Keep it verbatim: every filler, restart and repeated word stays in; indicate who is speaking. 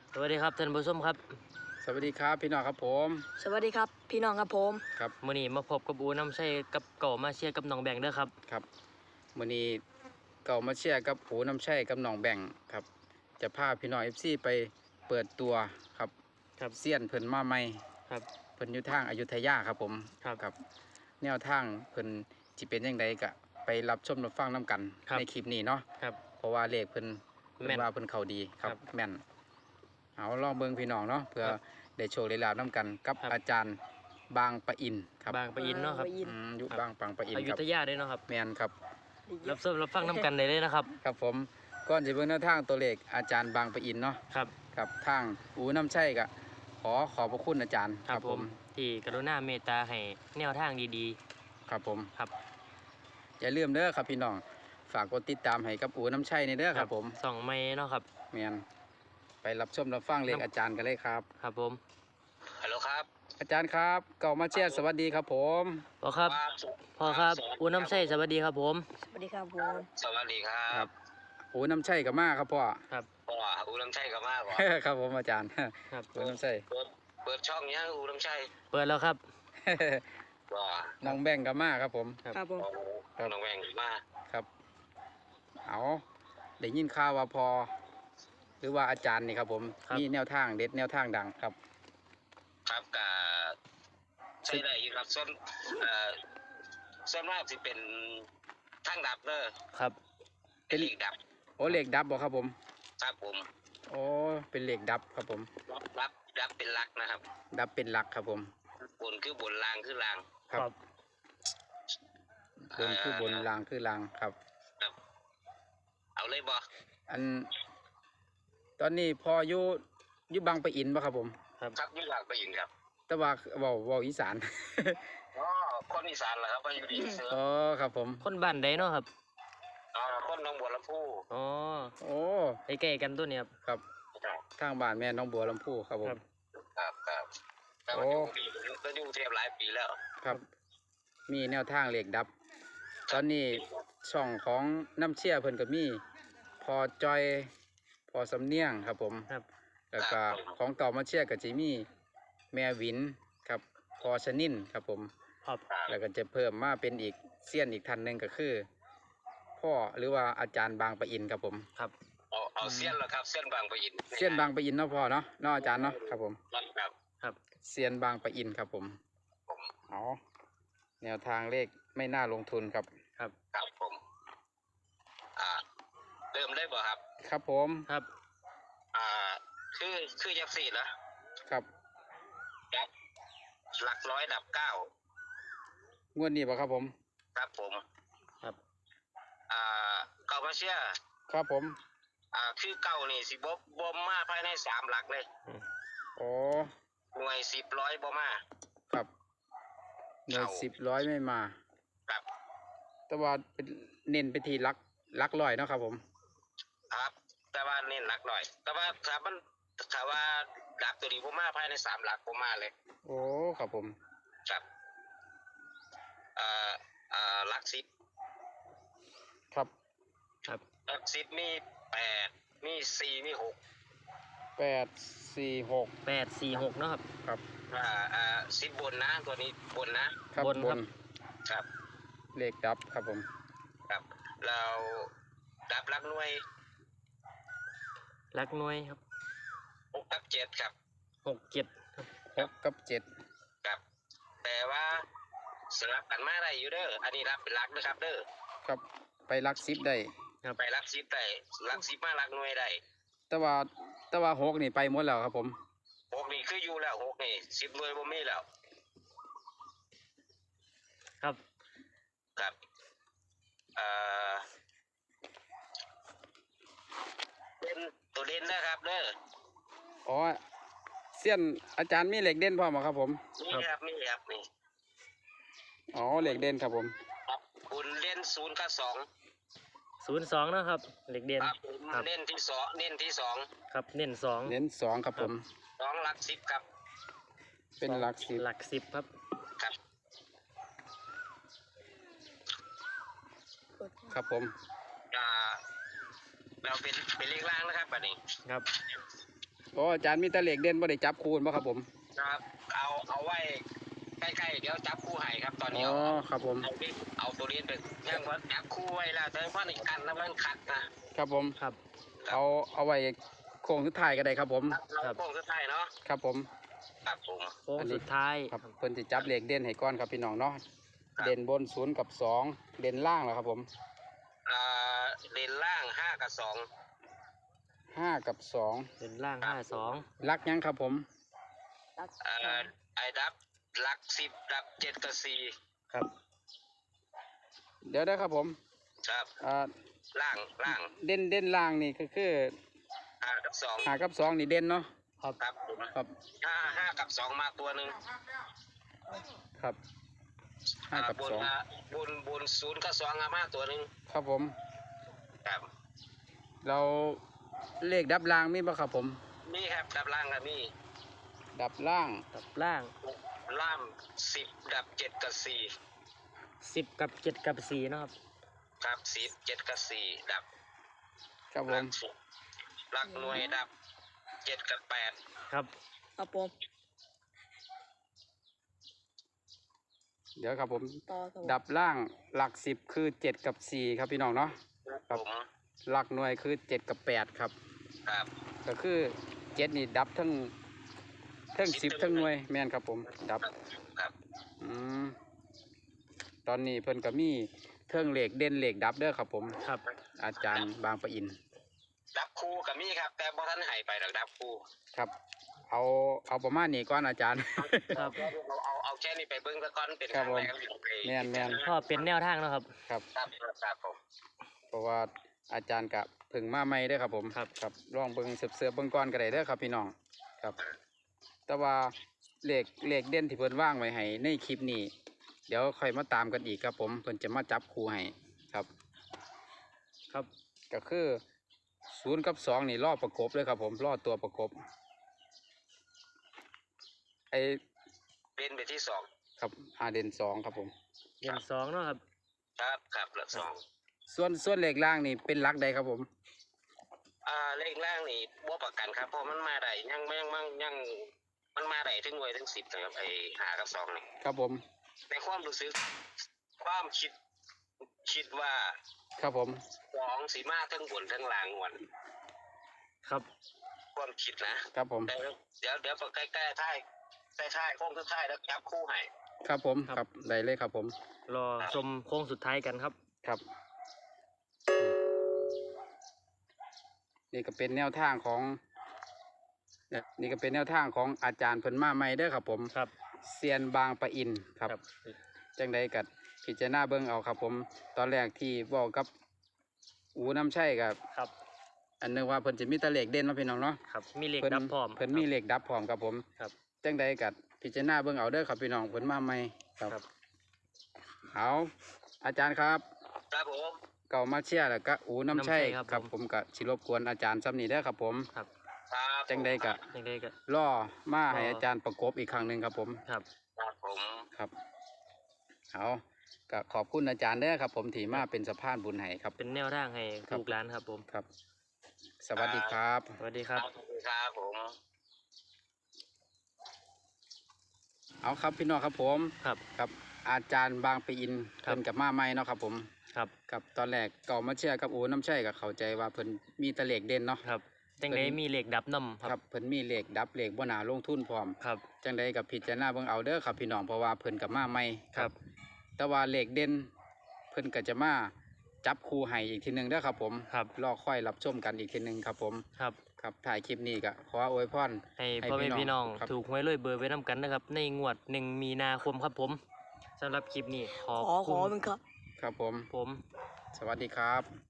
Speaker 1: สวัสดีครับท่านผู้ชมครับ
Speaker 2: สวัสดีครับพี่น้องครับผม
Speaker 3: สวัสดีครับพี่น้องครับผม
Speaker 2: ครับ
Speaker 1: มื้อนี้มาพบกับอูน้ำใช่กับเก่ามาเชียร์กับน้องแบงค์เด้อครับ
Speaker 2: ครับมื้อนี้เก่ามาเชียร์กับหูน้ำแช่กับน้องแบ่งครับจะพาพี่น้อง เอฟ ซี ไปเปิดตัวครับ
Speaker 1: ครับ
Speaker 2: เซียนเพิ่นมาใหม่
Speaker 1: ครับ
Speaker 2: เพิ่นอยู่ทางอยุธยาครับผม
Speaker 1: ครับ
Speaker 2: ครับแนวทางเพิ่นสิเป็นจังไดก็ไปรับชมรับฟังนํกันในคลิปนี้เนาะ
Speaker 1: ครับ
Speaker 2: เพราะว่าเลขเพิ่นเพิ่
Speaker 1: แม่
Speaker 2: น
Speaker 1: น
Speaker 2: ว่าเพิ่นเข้าดีครับ
Speaker 1: ครับ
Speaker 2: แม่นเอาลองเบิ่งพี่น้องเนาะเพื่อ
Speaker 1: ครับ
Speaker 2: ได้โชคได้ลาบนํกันกับ
Speaker 1: ครับ
Speaker 2: อาจารย์บางปะอินครับ
Speaker 1: บางปะอินเนาะครับ
Speaker 3: บางปะอิน
Speaker 2: อืมอยู่
Speaker 1: ครับ
Speaker 2: บางปางปะอิน
Speaker 1: อยุ
Speaker 2: ครับ
Speaker 1: ธยาเด้อเนาะครับ
Speaker 2: แม่นครับ
Speaker 1: รับชมรับฟังน้ำกันได้เลยนะครับ
Speaker 2: ครับผมก่อนจะเบิ่งแนวทางตัวเลขอาจารย์บางปะอินเนาะ
Speaker 1: ครับ
Speaker 2: กับทางอูน้ำใช่กะขอขอบพระคุณอาจารย์
Speaker 1: ครับผมที่กรุณาเมตตาให้แนวทางดี
Speaker 2: ครับผม
Speaker 1: ๆครับ
Speaker 2: อย่าลืมเด้อครับพี่น้องฝากกดติดตามให้กับอูน้ำใช่ในเด้อครับผม
Speaker 1: สองไม้เนาะครับ
Speaker 2: แมนไปรับชมรับฟังเลขอาจารย์กันเลยครับ
Speaker 1: ครับผม
Speaker 4: ฮัลโหลครับ
Speaker 2: อาจารย์ครับเก่ามาเชียร์สวัสดีครับผม
Speaker 1: พ่อครับพ่อครับอูน้ำใช่สวัสดีครับผม
Speaker 3: สวัสดีครับผม
Speaker 4: สวัสดีครั
Speaker 2: ครับ บอูน้ำใช่กับมาครับพ่อ
Speaker 1: ครับ
Speaker 4: พ่ออูน้ำชัยกับมากกว่า
Speaker 2: ครับผมอาจารย์
Speaker 1: ครับ
Speaker 2: อูน้ำใช่
Speaker 4: เปิดเปิดช่องยังอูน้ำชัย
Speaker 1: เปิดแล้วครับ
Speaker 4: ว่า
Speaker 2: น้องแบ่งกับมาครับผม
Speaker 1: ครับ
Speaker 3: ครับผม
Speaker 2: ครับ
Speaker 4: น้องแวงมา
Speaker 2: ครับเอาได้ยินข่าวว่าพอ หรือว่าอาจารย์นี่ครับผม
Speaker 1: ครับ
Speaker 2: มีแนวทางเด็ดแนวทางดังครับ
Speaker 4: ครับกับใช่ได้อยู่ครับส่วนเอ่อส่วนมากจะเป็นทางดับเนอะ
Speaker 1: ครับ
Speaker 4: เป็นเหล็กดับ
Speaker 2: โอ้เหล็กดับบ่ครับผม
Speaker 4: ครับผม
Speaker 2: โอ้เป็นเหล็กดับครับผม
Speaker 4: รับรับดับเป็นหลักนะครับ
Speaker 2: ดับเป็นหลักครับผม
Speaker 4: บนคือบนล่างคือล่าง
Speaker 2: ครับบนคือบนรางคือรางครับ
Speaker 4: ครับ เอาเลยบอ
Speaker 2: อัน ตอนนี้พออยู่อยู่บางปะอินป่ะครับผม
Speaker 1: ครับ
Speaker 4: ครับยี่หลักไปยินครับ
Speaker 2: แต่ว่าเว้าเว้าอีสาน
Speaker 4: อ๋อคนอีสานเหรอครับไปอยู่ดีเสือ
Speaker 2: อ๋อครับผม
Speaker 1: คนบ้านใดเนาะครับ
Speaker 4: อ๋อคนหน้องบัวลำพู
Speaker 1: อ๋อ
Speaker 2: โอ้
Speaker 1: ใกล้ๆกันตัวเนี้ยครับ
Speaker 2: ครับ
Speaker 4: ครับ
Speaker 2: ทางบ้านแม่น้องบัวลำพูครับผม
Speaker 1: ครับ
Speaker 4: ครับครับแต่
Speaker 2: โอ้
Speaker 4: ว่าอยู่ปีก็อยู่กรุงเทพหลายปีแล้ว
Speaker 2: ครับ มีแนวทางเหล็กดับ ตอนนี้ช่องของน้ำเชี่ยเพิ่นก็มี พอจอย พอสำเนียงครับผม
Speaker 1: ครับ
Speaker 2: แล้วก็ของเก่ามาเชี่ยกับจิมีแม่วินครับพอชนินครับผม
Speaker 1: ครับ
Speaker 2: แล้วก็จะเพิ่มมาเป็นอีกเซียนอีกท่านหนึ่งก็คือ พ่อหรือว่าอาจารย์บางปะอินครับผม
Speaker 1: ครับ
Speaker 4: เอาเอาเส้นแล้วครับเส้นบางปะอิน
Speaker 2: เซียนบางปะอินเนาะพ่อเนาะเนาะอาจารย์เนาะครับผม
Speaker 4: ครับ
Speaker 1: ครับ
Speaker 2: เซียนบางปะอินครับผม
Speaker 4: ผม
Speaker 2: เอาแนวทางเลขไม่น่าลงทุนครับ
Speaker 1: ครับ
Speaker 4: ครับผมอ่าเริ่มได้บ่ครับ
Speaker 2: ครับผม
Speaker 1: ครับ
Speaker 4: อ่าคือคือยักษ์สี่นะครับ ดับหลักร้อยดับเก้าง
Speaker 2: วดนี้ป่ะครับผม
Speaker 4: ครับผม
Speaker 1: ครับ
Speaker 4: อ่าเก่ามาเชียร์
Speaker 2: ครับผม
Speaker 4: อ่าคือเก่านี่สิบบบ่มาภายในสามหลักเลย
Speaker 2: โอ้
Speaker 4: หน่วยสิบร้อยบ่มา
Speaker 2: ครับหน่วยสิบร้อยไม่มา
Speaker 4: ครับ
Speaker 2: แต่ว่าเป็นเน้นไปที่ลักลักลอยเนาะครับผม
Speaker 4: ครับ แต่ว่าเน้นหลักหน่อย แต่ว่าถ้ามันถ้าว่าดับตัวนี้บ่มาภายในสามหลักบ่มาเลย
Speaker 2: โอ้ครับผม
Speaker 4: ครับเอ่อเอ่อหลักสิบ
Speaker 2: ครับ
Speaker 1: ครับ
Speaker 4: หลักสิบมีแปดมีสี่มีหก
Speaker 2: แปดสี่หก
Speaker 1: แปดสี่หกเนาะครับ
Speaker 2: ครับ
Speaker 4: อ่าอ่าสิบบนนะตัวนี้บนนะครับ
Speaker 1: บน
Speaker 2: บ
Speaker 1: ครับ
Speaker 2: น
Speaker 4: ครับ
Speaker 2: เลขดับครับผม
Speaker 4: ครับเราดับหลักหน่วย
Speaker 1: ลักหน่วยครับ
Speaker 4: หกกับเจ็ดครับ
Speaker 1: หกเจ็ดครับ
Speaker 2: หกกับเจ็ด
Speaker 4: ครับ แต่ว่าสลับกันมาได้อยู่เด้ออันนี้รับเป็นหลักนะครับเด้อ
Speaker 2: ครับไปลักสิบได้
Speaker 4: ไปหลักสิบได้หลักสิบมาหลักหน่วยได้
Speaker 2: แต่ว่าแต่ว่าหกนี่ไปหมดแล้วครับผม
Speaker 4: หกนี่คืออยู่แล้วหกนี่สิบหน่วยบ่มีแล้ว
Speaker 1: ครับ
Speaker 4: ครับเอ่อเป็นตัวเด่นนะครับเด้อ
Speaker 2: อ๋อเสี้ยนอาจารย์มีเหล็กเด่นพร้อมบ่ครับผม
Speaker 4: นี่ครับนี่ครับนี่
Speaker 2: อ๋อเหล็กเด่นครับผม
Speaker 4: ครับคุณเล่นศูนย์กับสอง
Speaker 1: ศูนย์สองนะครับเหล็กเด่น
Speaker 4: ครับผม
Speaker 1: ครับ
Speaker 4: เล่นที่สองเล่นที่สอง
Speaker 1: ครับเน้นสอง
Speaker 2: เน้นสองครับผม
Speaker 4: สองหลักสิบครับ
Speaker 2: เป็นหลักสิบ
Speaker 1: หลักสิบครับ
Speaker 4: ครับ
Speaker 2: ครับผม
Speaker 4: อ่าเราเป็นเป็นเลขล่างนะครับบัดนี้
Speaker 1: ครับ
Speaker 2: โอ้อาจารย์มีแตะเหล็กเด่นบ่ได้จับคูณบ่ครับผม
Speaker 4: ครับเอาเอาไว้ใกล้ๆเดี๋ยวจับคู่ให้ครับตอนนี้
Speaker 2: อ๋อ
Speaker 4: เอา
Speaker 2: ครับผม
Speaker 4: เอาดิเอาตัวนี้ไปยังว่าจับคู่ไว้แล้วแต่ว่าในกันแล้วมันขัดนะครับ
Speaker 2: ผม
Speaker 1: ครับ
Speaker 2: เอาเอาไว้โค้งสุดท้ายก็ได้ครับผม
Speaker 4: เราโค้งสุดท้ายเนาะ
Speaker 2: ครับผม
Speaker 4: ครับผม
Speaker 1: โค้งสุดท้าย
Speaker 2: ครับเพิ่นสิจับเหล็กเด่นให้ก่อนครับพี่น้องเนาะ
Speaker 4: ครับ
Speaker 2: เด่นบนศูนย์กับสองเด่นล่างแล้วครับผม
Speaker 4: อ่าเลนล่างห้ากับสอง
Speaker 2: ห้ากับสอง
Speaker 1: เป็นล่างห้าสอง
Speaker 2: ลักยังครับผม
Speaker 3: รัก
Speaker 4: อ่าไอ้ดับหลักสิบดับเจ็ดกับสี่
Speaker 1: ครับ
Speaker 2: เดี๋ยวได้ครับผม
Speaker 4: ครับ
Speaker 2: อ่า
Speaker 4: ล่างล่าง
Speaker 2: เด่นเด่นล่างนี่ก็คือ
Speaker 4: ห้ากับสอง
Speaker 2: หากับสองนี่เด่นเนาะ
Speaker 1: ครับ
Speaker 4: ครับผม
Speaker 2: ครับ
Speaker 4: ห้าห้ากับสองมาตัวหนึ่ง
Speaker 2: ครับห้ากับ
Speaker 4: บน
Speaker 2: สอง
Speaker 4: มาบนบนศูนย์กับสองอะมาตัวหนึ่ง
Speaker 2: ครับผม
Speaker 4: ครับ
Speaker 2: เราเลขดับล่างมีบ่ครับผม
Speaker 4: นี่ครับดับล่างกับนี่
Speaker 2: ดับล่าง
Speaker 1: กับล่าง
Speaker 4: ล่ามสิบดับเจ็ดกับสี่
Speaker 1: สิบกับเจ็ดกับสี่เนาะครับ
Speaker 4: ครับสิบเจ็ดกับสี่ดับ
Speaker 2: ครับผ
Speaker 4: หลั
Speaker 2: ม
Speaker 4: กสิบหลักหน่วยดับเจ็ดกับแปด
Speaker 1: ครับ
Speaker 3: ครับผม
Speaker 2: เดี๋ยวครับผม
Speaker 3: ต่อครับผม
Speaker 2: ดับล่างหลักสิบคือเจ็ดกับสี่ครับพี่น้องเนาะ ครับ
Speaker 4: ผม
Speaker 2: หลักหน่วยคือเจ็ดกับแปดครับ
Speaker 4: ครับ
Speaker 2: ก็คือเจ็ดนี่ดับทั้งทั้งสิบทั้งหน่วยแม่นครับผม ดับ
Speaker 4: ครับ
Speaker 2: อืมตอนนี้เพิ่นก็มีเทิงเหล็กเด่นเหล็กดับเด้อครับผม
Speaker 1: ครับ
Speaker 2: อาจารย์บางปะอิน
Speaker 4: ดับคู่กับมี่ครับแต่บ่ทันใหายไปหรอกดับคู่
Speaker 2: ครับ เอาเอาประมาณนี้ก่อนอาจารย์
Speaker 1: ครับ
Speaker 4: เอาเอาเอาแค่นี้ไปเบิ้งซะก่อนเป็น
Speaker 2: ครับ
Speaker 4: ครั้งแรก
Speaker 2: ผม
Speaker 4: ไป
Speaker 2: แม่นแม่น
Speaker 1: ก็เป็นแนวทางเนาะครับ
Speaker 2: ครับ
Speaker 4: ครับครับผม
Speaker 2: เพราะว่าอาจารย์กับเพึ่งมาใหม่เด้อครับผม
Speaker 1: ครับ
Speaker 2: ครับลองเบิ่งเสือบเสือบๆเบิ่งก่อนก็ได้เด้อครับพี่น้องครับ แต่ว่าเลขเลขเด่นที่เพิ่นว่างไว้ให้ในคลิปนี้ เดี๋ยวค่อยมาตามกันอีกครับผมเพิ่นจะมาจับคู่ให้ครับ
Speaker 1: ครับ
Speaker 2: ก็คือศูนย์กับสองนี่ล่อประกบเลยครับผมล่อตัวประกบไอ
Speaker 4: เป็นไปที่สอง
Speaker 2: ครับอาเด่นสองครับผม
Speaker 1: เดือนสองเนาะครับ
Speaker 4: ครับครับหลักสอง
Speaker 2: ส่วนส่วนเลขล่างนี่เป็นหลักใดครับผม
Speaker 4: อ่าเลขล่างนี่บ่ประกันครับเพราะมันมาได้ยังยังยังยังมันมาได้ถึงหน่วยถึงสิบนะครับไอ้หากับสองนี่
Speaker 2: ครับผม
Speaker 4: ในความรู้สึกความคิดคิดว่า
Speaker 2: ครับผม
Speaker 4: สองสีมาทั้งบนทั้งล่างงวน
Speaker 1: ครับ
Speaker 4: ความคิดนะครับ
Speaker 2: ผม
Speaker 4: แต่เดี๋ยวเดี๋ยวพอใกล้ๆท้ายใกล้ๆโค้งสุดท้ายแล้วจับคู่ให้
Speaker 2: ครับผมครับได้เลยครับผม
Speaker 1: รอชมโค้งสุดท้ายกันครับ
Speaker 2: ครับ นี่ก็เป็นแนวทางของเนี่ยนี่ก็เป็นแนวทางของอาจารย์เพิ่นมาใหม่เด้อครับผม
Speaker 1: ครับ
Speaker 2: เซียนบางปะอินครับ จังใดกัดพิจารณาเบิ่งเอาครับผม ตอนแรกที่บอกกับอูน้ำใช่กับ
Speaker 1: ครับ
Speaker 2: อันนึงว่าเพิ่นจะมีแตะเหล็กเด่นเนาะพี่น้องเนาะ
Speaker 1: ครับ มีเหล็ก
Speaker 2: เพิ่น
Speaker 1: ดับพร้อม
Speaker 2: เพิ่นมีเหล็กดับพร้อมครับผม
Speaker 1: ครับ
Speaker 2: จังใดกัดพิจารณาเบิ่งเอาเด้อครับพี่น้องเพิ่นมาใหม่ครับ
Speaker 1: ครับ
Speaker 2: เอาอาจารย์ครับ
Speaker 4: ครับผม
Speaker 2: เก่ามาเชียร์แล้วก็อูน้ำใช่
Speaker 1: น้ำชัยครับ
Speaker 2: ครับ
Speaker 1: ผม
Speaker 2: ผมก็สิรบกวนอาจารย์ซ้ำนี้เด้อครับผม
Speaker 1: ครับ
Speaker 4: ครับ
Speaker 2: จังใดกะ
Speaker 1: ยังไงก็
Speaker 2: ล่อมาให้
Speaker 1: รออ
Speaker 2: อาจารย์ประกบอีกครั้งหนึ่งครับผม
Speaker 1: ครับ
Speaker 4: ครับผม
Speaker 2: ครับเอาก็ขอบคุณอาจารย์เด้อครับ ผมที่มาเป็นสะพานบุญให้ครับ
Speaker 1: เป็นแนวทางให้
Speaker 2: ครับ
Speaker 1: ลูกหลานครับผม
Speaker 2: ครับ สวัสดีครับ
Speaker 1: สวัสดีครับ
Speaker 4: ครับผม
Speaker 2: เอาครับพี่น้องครับผม
Speaker 1: ครับ
Speaker 2: ครับอาจารย์บางปีอิน
Speaker 1: ครับ
Speaker 2: เพิ่นกับมาใหม่เนาะครับผม
Speaker 1: ครับ
Speaker 2: กับตอนแรกเก่ามาเชียร์กับอูน้ำใช่กับเข้าใจว่าเพิ่นมีแตะเหล็กเด่นเนาะ
Speaker 1: ครับจังไดมีเหล็กดับน้ำค
Speaker 2: ค
Speaker 1: รั
Speaker 2: รั
Speaker 1: บบ
Speaker 2: เพิ่นมีเหล็กดับเหล็กบ่หนาลงทุนพร้อม
Speaker 1: ครับ
Speaker 2: จังใดกับพิจารณาเบิ่งเอาเด้อครับพี่น้องเพราะว่าเพิ่นกับมาใหม่
Speaker 1: ครับ
Speaker 2: แต่ว่าเหล็กเด่นเพิ่นก็จะมาจับคู่ให้อีกทีหนึงเด้อครับผม
Speaker 1: ครับ
Speaker 2: รอค่อยรับชมกันอีกทีหนึงครับผม
Speaker 1: ครับ
Speaker 2: ครับถ่ายคลิปนี้ก็ขออวยพร
Speaker 1: ให้
Speaker 2: ให้
Speaker 1: พ่อแม่
Speaker 2: พี่
Speaker 1: พี่
Speaker 2: น้
Speaker 1: น้
Speaker 2: อ
Speaker 1: อง ง
Speaker 2: ครับ
Speaker 1: ถูกหวยรวยเบอร์ไว้น้ำกันนะครับ ในงวดหนึ่งมีนาคมครับผมสำหรับคลิปนี้ขอบ
Speaker 3: ขอข
Speaker 1: คุ
Speaker 3: อ
Speaker 1: ณ
Speaker 3: เป็นครับ
Speaker 2: ครับผม
Speaker 1: ผม
Speaker 2: สวัสดีครับ